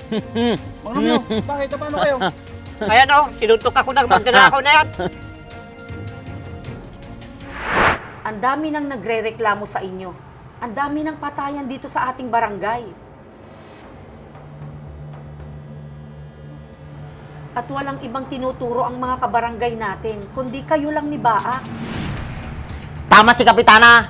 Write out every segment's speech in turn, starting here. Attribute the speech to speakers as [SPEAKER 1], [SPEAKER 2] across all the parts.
[SPEAKER 1] Mang Romeo, bakit? Paano kayo?
[SPEAKER 2] Ayan o, sinuntok ako ng magnanakaw na yan.
[SPEAKER 3] Ang dami nang nagre-reklamo sa inyo. Ang dami ng patayan dito sa ating barangay. At walang ibang tinuturo ang mga kabarangay natin, kundi kayo lang ni Baak.
[SPEAKER 2] Tama si Kapitana.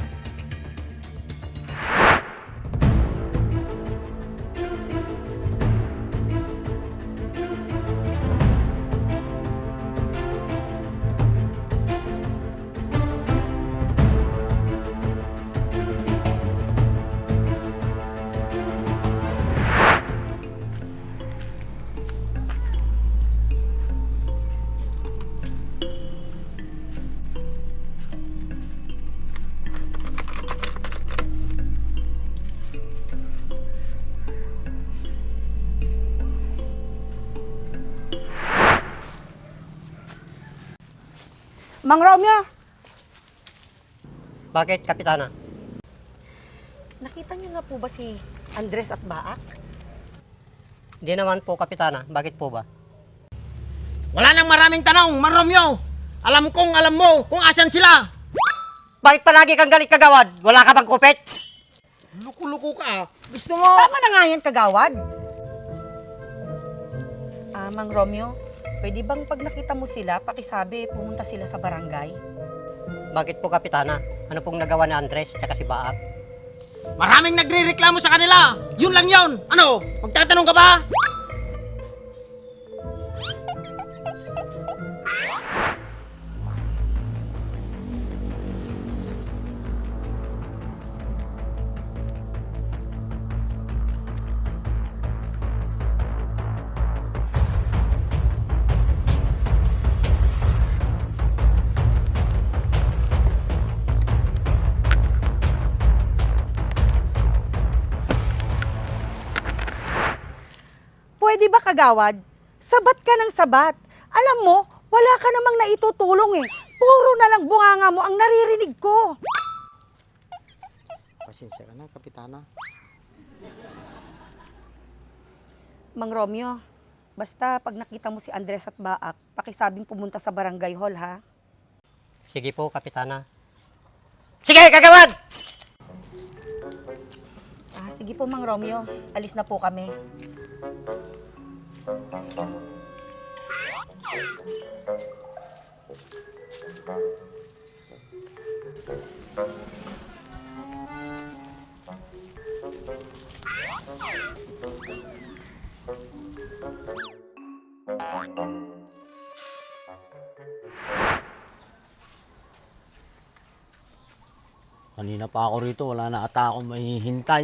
[SPEAKER 3] Mang Romeo,
[SPEAKER 2] Bakit, Kapitana?
[SPEAKER 3] nakita niyo na po ba si Andres at Baak?
[SPEAKER 2] Hindi naman po, Kapitana. Bakit po ba?
[SPEAKER 1] Wala nang maraming tanong, Mang Romeo. Alam kong alam mo kung asan sila.
[SPEAKER 2] Bakit palagi kang galit kagawad? Wala ka bang kupit?
[SPEAKER 1] Luko-luko ka. Gusto mo?
[SPEAKER 3] Tama na nga yan, kagawad. Mang Romeo, pwede bang pag nakita mo sila, pakisabi, pumunta sila sa barangay?
[SPEAKER 2] Bakit po, Kapitana? Ano pong nagawa ni Andres at si Baak?
[SPEAKER 1] Maraming nagre-reklamo sa kanila. Yun lang yun. Ano? Magtatanong ka ba?
[SPEAKER 3] Pwede ba, kagawad? Sabat ka ng sabat. Alam mo, wala ka namang naitutulong eh. Puro na lang bunganga mo ang naririnig ko.
[SPEAKER 1] Pasensya ka na, Kapitana.
[SPEAKER 3] Mang Romeo, basta pag nakita mo si Andres at Baak, pakisabing pumunta sa barangay hall, ha?
[SPEAKER 2] Sige po, Kapitana. Sige, kagawad!
[SPEAKER 3] Sige po, Mang Romeo. Alis na po kami.
[SPEAKER 4] Kanina pa ako rito, wala na ata akong mahihintay.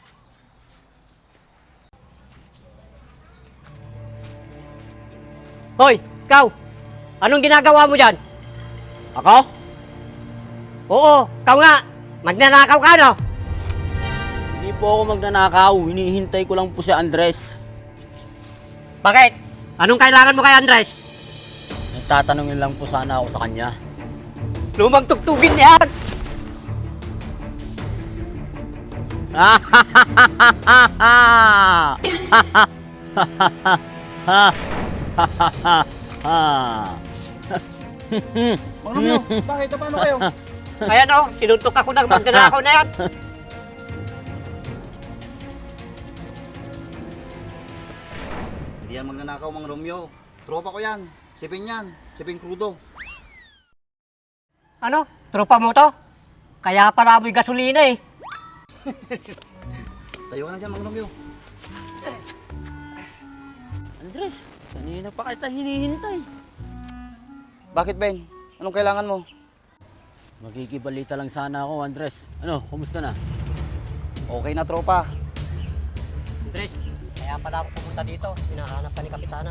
[SPEAKER 2] Hoy, ikaw! Anong ginagawa mo dyan?
[SPEAKER 4] Ako?
[SPEAKER 2] Oo, ikaw nga! Magnanakaw ka, no?
[SPEAKER 4] Hindi po ako magnanakaw, hinihintay ko lang po si Andres.
[SPEAKER 2] Bakit? Anong kailangan mo kay Andres?
[SPEAKER 4] Nagtatanungin lang po sana ako sa kanya.
[SPEAKER 2] Lumang tugtugin yan!
[SPEAKER 1] Mang Romeo, bakit? Paano kayo?
[SPEAKER 2] Ayan o, sinuntok ako ng magnanakaw na yan.
[SPEAKER 1] Hindi yan magnanakaw, Mang Romeo. Tropa ko yan. Sipin yan. Sipin krudo.
[SPEAKER 2] Ano? Tropa mo to? Kaya pala amoy gasolina eh.
[SPEAKER 1] Tayo ka na dyan, Mang Romeo.
[SPEAKER 4] Andres, kanina pa kita hinihintay.
[SPEAKER 1] Bakit, Ben? Anong kailangan mo?
[SPEAKER 4] Magkikibalita lang sana ako, Andres. Ano, kumusta na?
[SPEAKER 1] Okay na, tropa.
[SPEAKER 2] Andres, kaya pala ako pumunta dito. Hinahanap ka ni Kapitana.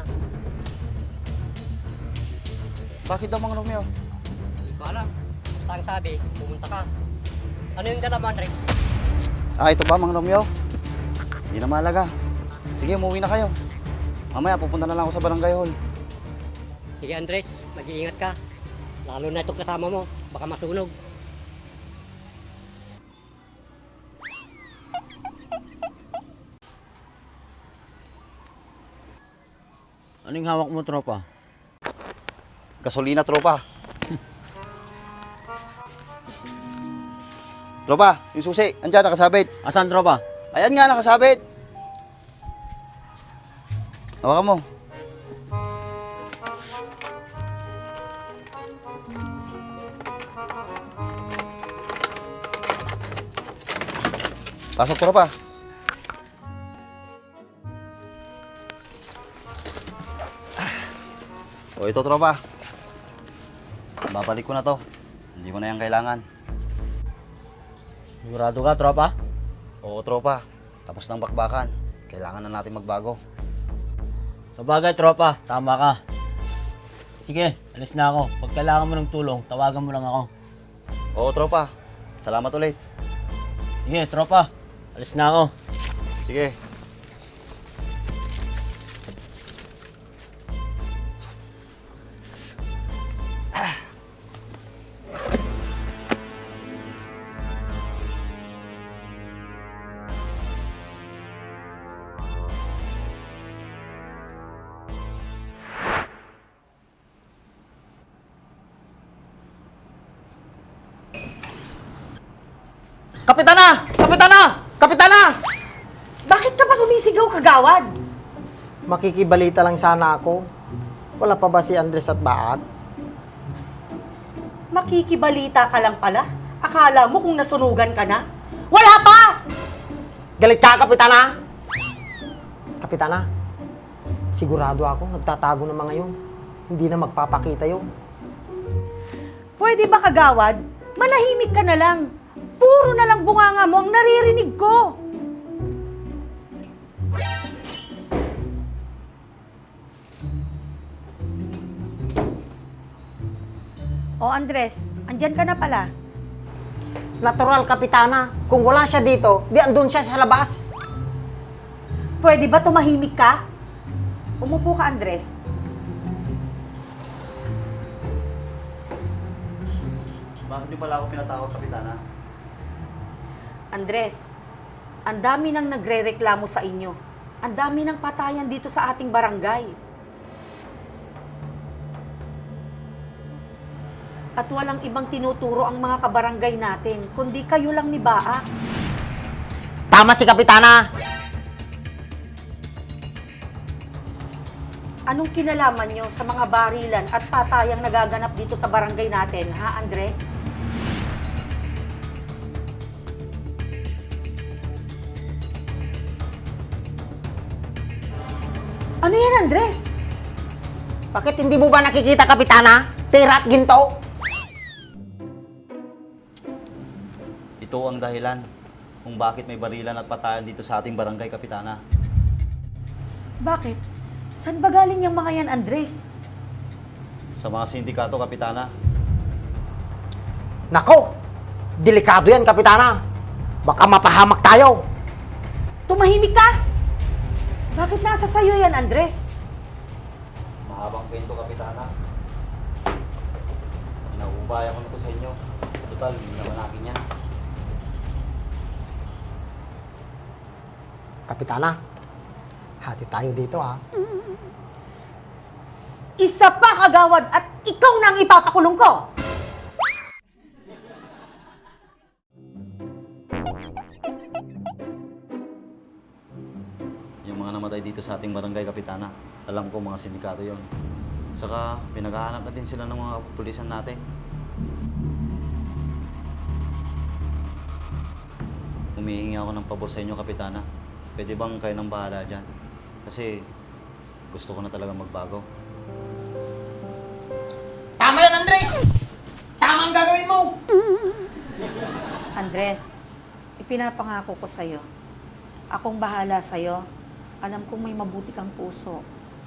[SPEAKER 1] Bakit daw, Mang Romeo?
[SPEAKER 2] Hindi ko alam. Basta ang sabi, pumunta ka. Ano yung dala mo, Andres?
[SPEAKER 1] Ito ba, Mang Romeo? Hindi na mahalaga. Sige, umuwi na kayo. Mamaya, pupunta na lang ako sa barangay hall.
[SPEAKER 2] Sige, Andres, mag-iingat ka. Lalo na itong kasama mo, baka masunog.
[SPEAKER 4] Anong hawak mo, tropa?
[SPEAKER 1] Gasolina, tropa. Tropa, yung susi, andyan, nakasabit.
[SPEAKER 4] Asan, tropa?
[SPEAKER 1] Ayan nga, nakasabit. Hawakan mo. Pasok, tropa. O ito, tropa. Babalik ko na to. Hindi ko na yan kailangan.
[SPEAKER 4] Sigurado ka, tropa?
[SPEAKER 1] Oo, tropa. Tapos ng bakbakan. Kailangan na natin magbago.
[SPEAKER 4] Sa bagay, tropa, tama ka. Sige, alis na ako. Pag kailangan mo ng tulong, tawagan mo lang ako.
[SPEAKER 1] Oo, tropa. Salamat ulit.
[SPEAKER 4] Sige, tropa, alis na ako.
[SPEAKER 1] Sige.
[SPEAKER 5] Kapitana! Kapitana! Kapitana!
[SPEAKER 3] Bakit ka pa sumisigaw, kagawad?
[SPEAKER 5] Makikibalita lang sana ako. Wala pa ba si Andres at Baat?
[SPEAKER 3] Makikibalita ka lang pala? Akala mo kung nasunugan ka na? Wala pa!
[SPEAKER 5] Galit ka, Kapitana! Kapitana, sigurado ako nagtatago ng mga yun. Hindi na magpapakita yun.
[SPEAKER 3] Pwede ba, kagawad? Manahimik ka na lang. Puro na lang bunganga mo ang naririnig ko. O Andres, andyan ka na pala.
[SPEAKER 5] Natural, Kapitana. Kung wala siya dito, di andun siya sa labas.
[SPEAKER 3] Pwede ba tumahimik ka? Umupo ka, Andres.
[SPEAKER 1] Bakit niyo pala ako pinatakot, Kapitana?
[SPEAKER 3] Andres, ang dami nang nagrereklamo sa inyo. Ang dami ng patayan dito sa ating barangay. At walang ibang tinuturo ang mga kabarangay natin, kundi kayo lang ni Baak.
[SPEAKER 5] Tama si Kapitana!
[SPEAKER 3] Anong kinalaman nyo sa mga barilan at patayang nagaganap dito sa barangay natin, ha, Andres? Ano yan, Andres?
[SPEAKER 5] Bakit hindi mo ba nakikita, Kapitana? Pera at ginto?
[SPEAKER 1] Ito ang dahilan kung bakit may barilan at patayan dito sa ating barangay, Kapitana.
[SPEAKER 3] Bakit? Saan ba galing yung mga yan, Andres?
[SPEAKER 1] Sa mga sindikato, Kapitana.
[SPEAKER 5] Nako! Delikado yan, Kapitana. Baka mapahamak tayo.
[SPEAKER 3] Tumahimik ka! Bakit nasa sayo yan, Andres?
[SPEAKER 1] Mahabang kwento, Kapitana. Inaubaya ko na to sa inyo. Total, hindi naman akin yan.
[SPEAKER 5] Kapitana, hati tayo dito, ha?
[SPEAKER 3] Isa pa, kagawad, at ikaw na ang ipapakulong ko!
[SPEAKER 1] Yung mga namatay dito sa ating barangay, Kapitana, alam ko mga sindikato yon. Saka pinaghahanap na din sila ng mga pulisan natin. Humihingi ako ng pabor sa inyo, Kapitana. Pwede bang kayo nang bahala dyan? Kasi gusto ko na talaga magbago.
[SPEAKER 5] Tama yan, Andres! Tama ang gagawin mo!
[SPEAKER 3] Andres, ipinapangako ko sa'yo. Akong bahala sa'yo. Alam kong may mabuti kang puso.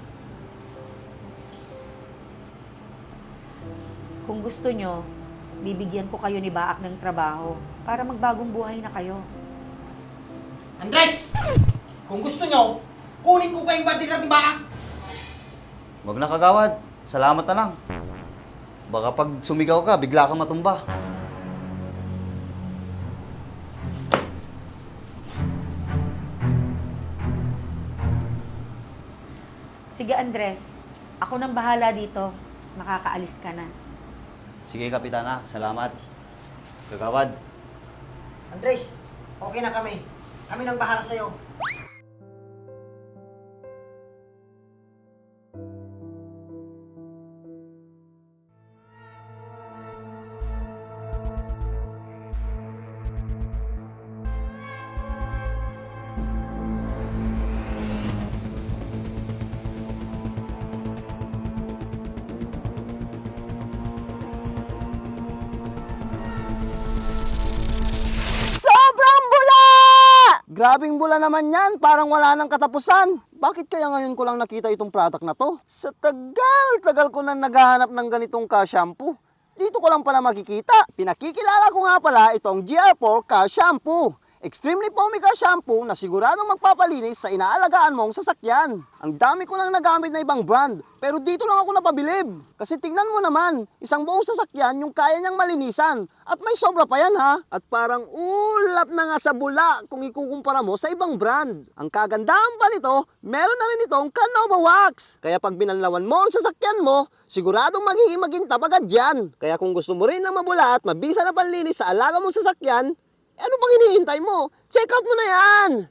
[SPEAKER 3] Kung gusto nyo, bibigyan ko kayo ni Baak ng trabaho para magbagong buhay na kayo.
[SPEAKER 5] Andres! Kung gusto nyo, kunin ko kayong bodyguard ni Baak!
[SPEAKER 1] Wag na, kagawad. Salamat na lang. Baka pag sumigaw ka, bigla kang matumba.
[SPEAKER 3] Sige Andres, ako nang bahala dito. Makakaalis ka na.
[SPEAKER 1] Sige, Kapitana. Salamat. Kagawad.
[SPEAKER 5] Andres, okay na kami. Kami nang bahala sa'yo.
[SPEAKER 1] Sobrang bula! Grabing bula naman yan. Parang wala nang katapusan. Bakit kaya ngayon ko lang nakita itong product na to? Sa tagal ko na naghahanap ng ganitong car shampoo. Dito ko lang pala makikita. Pinakikilala ko nga pala itong GR4 Car Shampoo. Extremely foamy car shampoo na siguradong magpapalinis sa inaalagaan mong sasakyan. Ang dami ko nang nagamit na ibang brand, pero dito lang ako napabilib. Kasi tingnan mo naman, isang buong sasakyan yung kaya niyang malinisan. At may sobra pa yan ha. At parang ulap na nga sa bula kung ikukumpara mo sa ibang brand. Ang kagandahan pa nito, meron na rin itong Canova Wax. Kaya pag binanlawan mo ang sasakyan mo, siguradong magiging magintab agad yan. Kaya kung gusto mo rin na mabula at mabisa na panlinis sa alaga mong sasakyan, ano bang hinihintay mo? Check out mo na yan!